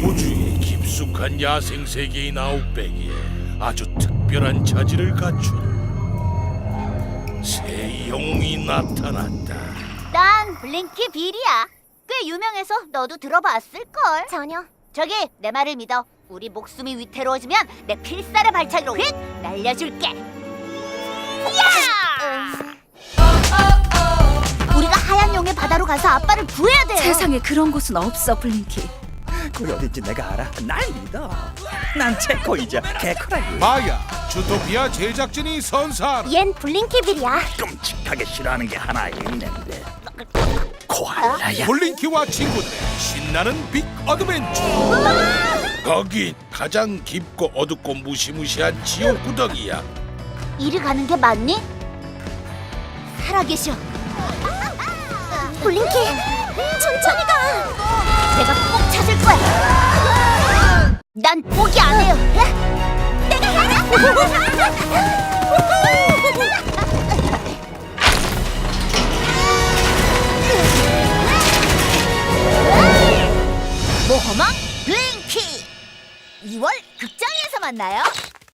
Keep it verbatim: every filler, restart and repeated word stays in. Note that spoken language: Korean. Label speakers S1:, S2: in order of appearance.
S1: 우주의 깊숙한 야생 세계인 아웃백에 아주 특별한 자질을 갖춘 새 영웅이 나타났다.
S2: 난 블링키 빌이야. 꽤 유명해서 너도 들어봤을걸.
S3: 전혀.
S2: 저기 내 말을 믿어. 우리 목숨이 위태로워지면 내 필살의 발차기로 휙 날려줄게. 야! 우리가 하얀 용의 바다로 가서 아빠를 구해야 돼요.
S4: 세상에 그런 곳은 없어, 블링키.
S5: 그 어딘지 내가 알아. 날 믿어. 난 체코이자 개코라고.
S1: 마야, 주토피아 제작진이 선사하라.
S3: 얜 블링키 빌이야.
S5: 끔찍하게 싫어하는 게 하나 있는데. 코알라야.
S1: 블링키와 친구들의 신나는 빅 어드벤처. 거긴 가장 깊고 어둡고 무시무시한 지옥 구덩이야.
S2: 이리 가는 게 맞니? 살아계셔.
S3: 블링키, 천천히 가.
S2: 내가 꼭 찾을 거야. 난 포기 안 해요.
S3: 내가 가라.
S2: 모험왕 블링키 이월 극장에서 만나요.